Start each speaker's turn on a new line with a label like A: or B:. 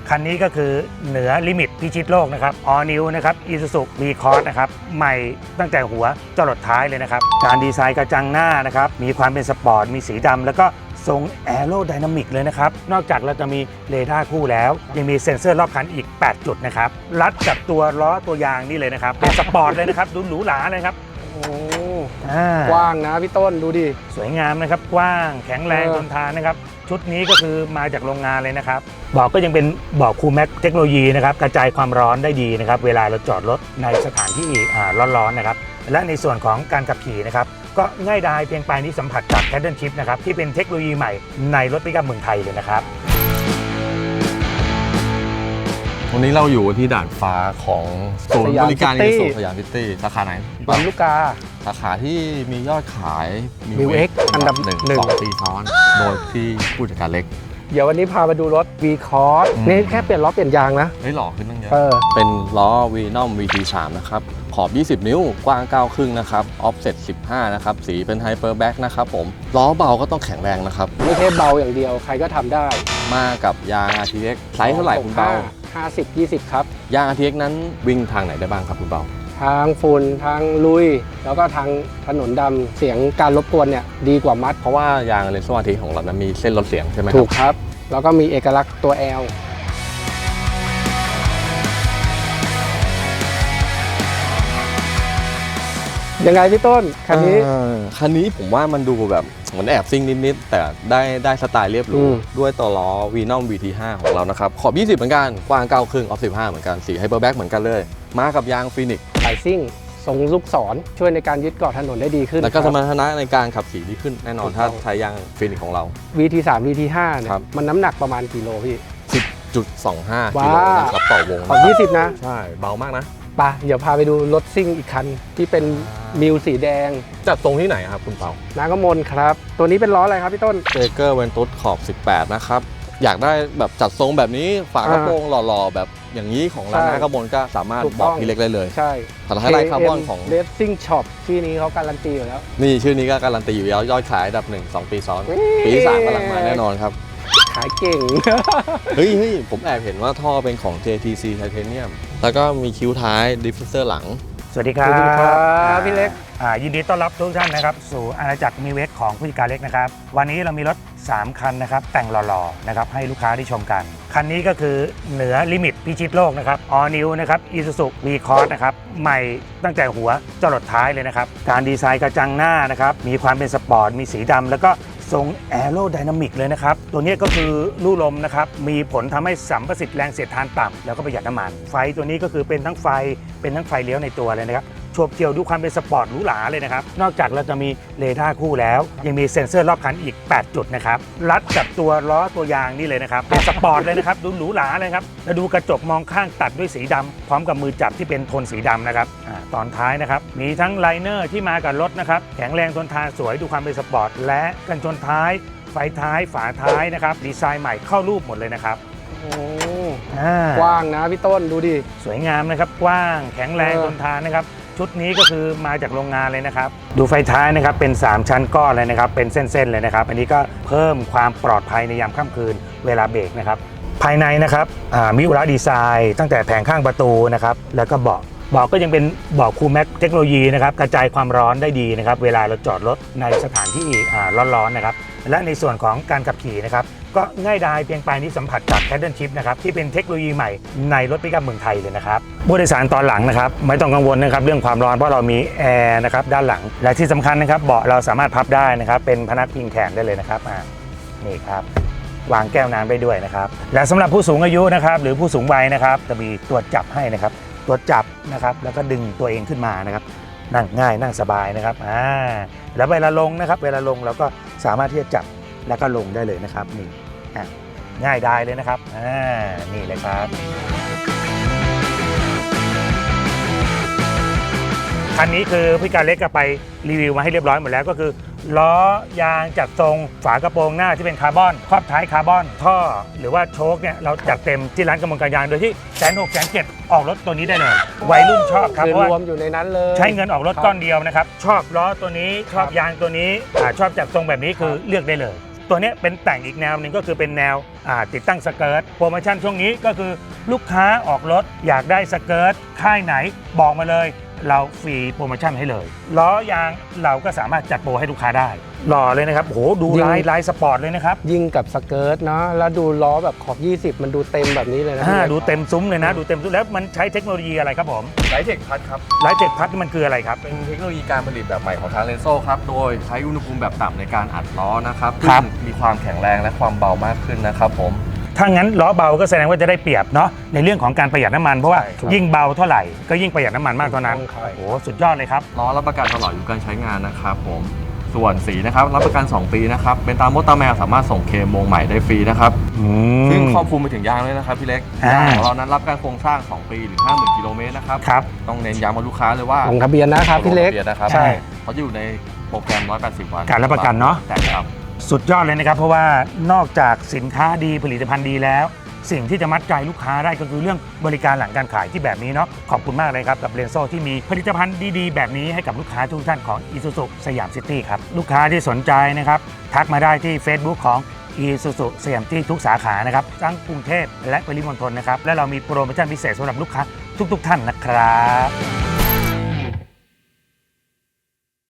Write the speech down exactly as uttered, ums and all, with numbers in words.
A: คันนี้ก็คือเหนือลิมิตพิชิตโลกนะครับ All New นะครับ Isuzu V-Cross นะครับใหม่ตั้งแต่หัวจรดท้ายเลยนะครับการดีไซน์กระจังหน้านะครับมีความเป็นสปอร์ตมีสีดำแล้วก็ทรงแอโรไดนามิกเลยนะครับนอกจากเราจะมีเรดาร์คู่แล้วยังมีเซ็นเซอร์รอบคันอีกแปดจุดนะครับรัดกับตัวล้อตัวยางนี่เลยนะครับเป็นสปอร์ตเลยนะครับดูหรูหราเลยครับ
B: โอ้กว้างนะพี่ต้นดูดิ
A: สวยงามนะครับกว้างแข็งแรงทนทานนะครับชุดนี้ก็คือมาจากโรงงานเลยนะครับเบาะก็ยังเป็นเบาะคูลแม็กเทคโนโลยีนะครับกระจายความร้อนได้ดีนะครับเวลาเราจอดรถในสถานที่ร้อนๆนะครับและในส่วนของการขับขี่นะครับก็ง่ายดายเพียงปลายนิ้วสัมผัสจาก Paddle Shift นะครับที่เป็นเทคโนโลยีใหม่ในรถปิกอัพเมืองไทยเลยนะครับ
C: วันนี้เราอยู่ที่ด่านฟ้าของศูนย์บริการอีซูซูสยามซิตี้สาขาไหน
B: ลำลูกกา
C: สาขาที่มียอดขาย
B: มิว เอ็กซ์ อันดับหนึ่ง
C: สองปีซ้อนโดยที่ผู้จัดการเล็ก
B: เดี๋ยววันนี้พามาดูรถ V-Cross นี่แค่เปลี่ยนล้อเปลี่ยนยางนะ
C: เฮ้ยหล่อขึ้นตั้งเยอะเป็นล้อ Venom วี ที สาม นะครับขอบยี่สิบนิ้วกว้างเก้าครึ่งนะครับออฟเซ็ตสิบห้านะครับสีเป็นไฮเปอร์แบ็กนะครับผมล้อเบาก็ต้องแข็งแรงนะครับ
B: ไม่ใช่เบาอย่างเดียวใครก็ทำได้
C: มากับยาง อาร์ ที เอ็กซ์ ไซส์เท่าไหร่คุณเบา
B: ห้าสิบ ยี่สิบครับ
C: ยาง อาร์ ที เอ็กซ์ นั้นวิ่งทางไหนได้บ้างครับคุณเบา
B: ทางฝุ่นทางลุยแล้วก็ทางถนนดำเสียงการรบกวนเนี่ยดีกว่ามัด
C: เพราะว่ายางเลนส์ อาร์ ที ของเรานั้นมีเส้นลดเสียงใช่ไหม
B: ถูกครับแล้วก็มีเอกลักษณ์ตัว L ยังไงพี่ต้นคันนี้
C: คันนี้ผมว่ามันดูแบบเหมือนแอบซิ่งนิดๆแต่ได้ได้สไตล์เรียบหรูด้วยตัวล้อ Venom วี ที ห้า ของเรานะครับขอบยี่สิบเหมือนกันกว้างเก้าครึ่งออฟสิบห้าเหมือนกันสีไฮเปอร์แบ็กเหมือนกันเลยมากับยางฟีนิกซ์
B: สายซิ่งทรงลูกศรช่วยในการยึดเกาะถนนได้ดีขึ้น
C: แล้วก็สมรรถนะในการขับขี่ดีขึ้นแน่นอนถ้าใช้ยางฟีนิกซ์ของเรา
B: วี ที สาม วี ที ห้า เนี่ยมันน้ำหนักประมาณกิโลพี่
C: สิบจุดสองห้า กิโลนะครับต่อวง
B: ขอบยี่สิบนะ
C: ใช่เบามากนะ
B: ปะเดี๋ยวพาไปดูรถซิ่งอีกคันที่เป็นมิวสีแดง
C: จัดตรงที่ไหนครับคุณเปา
B: น้ากมลครับตัวนี้เป็นล้ออะไรครับพี่ต้น
C: เจเกอร์เวนตุสขอบสิบแปดนะครับอยากได้แบบจัดทรงแบบนี้ฝากระโปรงหล่อๆแบบอย่างนี้ของร้านน้ากมลก็สามารถบอกพี่เล็กได้เลย
B: ใช่
C: ถัดให้ไลท์คาร์บอนของ
B: Racing Shop ที่นี้เขาการันตีอยู่แล้ว
C: นี่ชื่อนี้ก็การันตีอยู่แล้วยอดขายอันดับหนึ่งสองปีซ้อนปีสามกำลังมาแน่นอนครับ
B: ขายเก่ง
C: เฮ้ยเฮ้ยผมแอบเห็นว่าท่อเป็นของ เจ ที ซี Titanium แล้วก็มีคิ้วท้ายดิฟฟิวเซอร์หลัง
A: สวัสดีครับ
B: สวัสดีครับพี่เล็ก
A: ยินดีต้อนรับทุกท่านนะครับสู่อาณาจักรมิว เอ็กซ์ของผู้จัดการเล็กนะครับวันนี้เรามีรถสามคันนะครับแต่งหล่อๆนะครับให้ลูกค้าได้ชมกันคันนี้ก็คือเหนือลิมิตพิชิตโลกนะครับ All New นะครับ Isuzu V-Cross นะครับใหม่ตั้งแต่หัวจรดท้ายเลยนะครับการดีไซน์กระจังหน้านะครับมีความเป็นสปอร์ตมีสีดำแล้วก็ทรงแอโรไดนามิกเลยนะครับตัวนี้ก็คือลู่ลมนะครับมีผลทำให้สัมประสิทธิ์แรงเสียดทานต่ำแล้วก็ประหยัดน้ำมันไฟตัวนี้ก็คือเป็นทั้งไฟเป็นทั้งไฟเลี้ยวในตัวเลยนะครับโฉบเฉี่ยวดูความเป็นสปอร์ตหรูหราเลยนะครับนอกจากเราจะมีเรดาร์คู่แล้วยังมีเซ็นเซอร์รอบคันอีกแปดจุดนะครับรัดกับตัวล้อตัวยางนี่เลยนะครับเป็นสปอร์ตเลยนะครับดูหรูหราเลยครับแล้วดูกระจกมองข้างตัดด้วยสีดำพร้อมกับมือจับที่เป็นโทนสีดำนะครับตอนท้ายนะครับมีทั้งไลเนอร์ที่มากับรถนะครับแข็งแรงทนทานสวยดูความเป็นสปอร์ตและกันชนท้ายไฟท้ายฝาท้ายนะครับดีไซน์ใหม่เข้ารูปหมดเลยนะครับ
B: โอ้กว้างนะพี่ต้นดูดิ
A: สวยงามนะครับกว้างแข็งแรงทนทานนะครับชุดนี้ก็คือมาจากโรงงานเลยนะครับดูไฟท้ายนะครับเป็นสามชั้นก้อนเลยนะครับเป็นเส้นๆเลยนะครับอันนี้ก็เพิ่มความปลอดภัยในยามค่ำคืนเวลาเบรกนะครับภายในนะครับมิอุระดีไซน์ตั้งแต่แผงข้างประตูนะครับแล้วก็เบาะเบาะก็ยังเป็นเบาะคูลแม็กเทคโนโลยีนะครับกระจายความร้อนได้ดีนะครับเวลาเราจอดรถในสถานที่ร้อนๆนะครับและในส่วนของการขับขี่นะครับก็ง่ายดายเพียงปลายนิ้วสัมผัสจาก Paddle Shift นะครับที่เป็นเทคโนโลยีใหม่ในรถปิกอัพเมืองไทยเลยนะครับผู้โดยสารตอนหลังนะครับไม่ต้องกังวลนะครับเรื่องความร้อนเพราะเรามีแอร์นะครับด้านหลังและที่สำคัญนะครับเบาะเราสามารถพับได้นะครับเป็นพนักพิงแขนได้เลยนะครับนี่ครับวางแก้วน้ำได้ด้วยนะครับและสำหรับผู้สูงอายุนะครับหรือผู้สูงวัยนะครับจะมีตัวจับให้นะครับตัวจับนะครับแล้วก็ดึงตัวเองขึ้นมานะครับนั่งง่ายนั่งสบายนะครับอ่าแล้วเวลาลงนะครับเวลาลงเราก็สามารถที่จะจับแล้วก็ลงได้เลยนะครับนี่ง่ายได้เลยนะครับอ่านี่เลยครับคันนี้คือพี่การเล็กก็ไปรีวิวมาให้เรียบร้อยหมดแล้วก็คือล้อยางจัดทรงฝากระโปรงหน้าที่เป็นคาร์บอนครอบท้ายคาร์บอนท่อหรือว่าโชคเนี่ยเราจัดเต็มที่ร้านกำมลการยางโดยที่แสนหกแสนเจ็ดออกรถตัวนี้ได้เลยวัยรุ่นชอบครับเพราะว่าร
B: วมอยู่ในนั้นเลย
A: ใช้เงินออกรถก้อนเดียวนะครับชอบล้อตัวนี้ชอบยางตัวนี้ชอบจัดทรงแบบนี้คือเลือกได้เลยตัวเนี้ยเป็นแต่งอีกแนวหนึ่งก็คือเป็นแนวอ่าติดตั้งสเกิร์ตโปรโมชั่นช่วงนี้ก็คือลูกค้าออกรถอยากได้สเกิร์ตค่ายไหนบอกมาเลยเราฟรีโปรโมชั่นให้เลยล้อยางเราก็สามารถจัดโปรให้ลูกค้าได้หล่อเลยนะครับโอ้โหดูลายลายสปอร์ตเลยนะครับ
B: ยิ่งกับสเกิร์ตเนาะแล้วดูล้อแบบขอบ ยี่สิบ มันดูเต็มแบบนี้เลยนะ
A: อ่าดูเต็มซุ้มเลยนะดูเต็มซุ้มแล้วมันใช้เทคโนโลยีอะไรครับผม
C: ไลท์เทคพัทครับ
A: ไลท์เทคพัทนี่มันคืออะไรครับ
C: เป็นเทคโนโลยีการผลิตแบบใหม่ของทางเรนโซ่ครับ โดยใช้อุณหภูมิแบบต่ำในการอัดล้อนะครับ
A: ครับ
C: ซึ่งมีความแข็งแรงและความเบามากขึ้นนะครับผม
A: ถ้างั้นล้อเบาก็แสดงว่าจะได้เปรียบเนาะในเรื่องของการประหยัดน้ำมันเพราะว่า
C: ใช่ครับ
A: ยิ่งเบาเท่าไหร่ก็ยิ่งประหยัดน้ำมันมากเท่านั้น
B: ใช่ครับ
A: โอ้โหสุดยอดเลยครับ
C: ล้อรับประกันตลอดอายุการใช้งานนะครับผมส่วนสีนะครับรับประกันสองปีนะครับเป็นตามมดตามแมวสามารถส่งเคลมวงใหม่ได้ฟรีนะครับ
A: อืม
C: ซึ่งครอบคลุมไปถึงยางเลยนะครับพี่เล็ก
A: อ่าย
C: างของเรานั้นรับการโครงสร้าง สอง ปีหรือ ห้าหมื่น กิโลเมตรนะครับ
A: ครับ
C: ต้องเน้นย้ำกับลูกค้าเลยว่า
B: ลงทะเบียนนะครับพี่เล็ก
C: ลงทะบียนนะครับ
A: ใช่
C: เขาจะอยู่ในโปรแกรมหนึ่งร้อยแปดสิบวัน
A: การรับประกันเนอะ
C: แต่ครับ
A: สุดยอดเลยนะครับเพราะว่านอกจากสินค้าดีผลิตภัณฑ์ดีแล้ว สิ่งที่จะมัดใจลูกค้าได้ก็คือเรื่องบริการหลังการขายที่แบบนี้เนาะขอบคุณมากเลยครับกับเรนโซ่ที่มีผลิตภัณฑ์ดีๆแบบนี้ให้กับลูกค้าทุกท่านของ Isuzu สยามซิตี้ครับลูกค้าที่สนใจนะครับทักมาได้ที่ Facebook ของ Isuzu สยามซิตี้ทุกสาขานะครับทั้งกรุงเทพและปริมณฑลนะครับและเรามีโปรโมชั่นพิเศษสำหรับลูกค้าทุกๆท่านนะครับ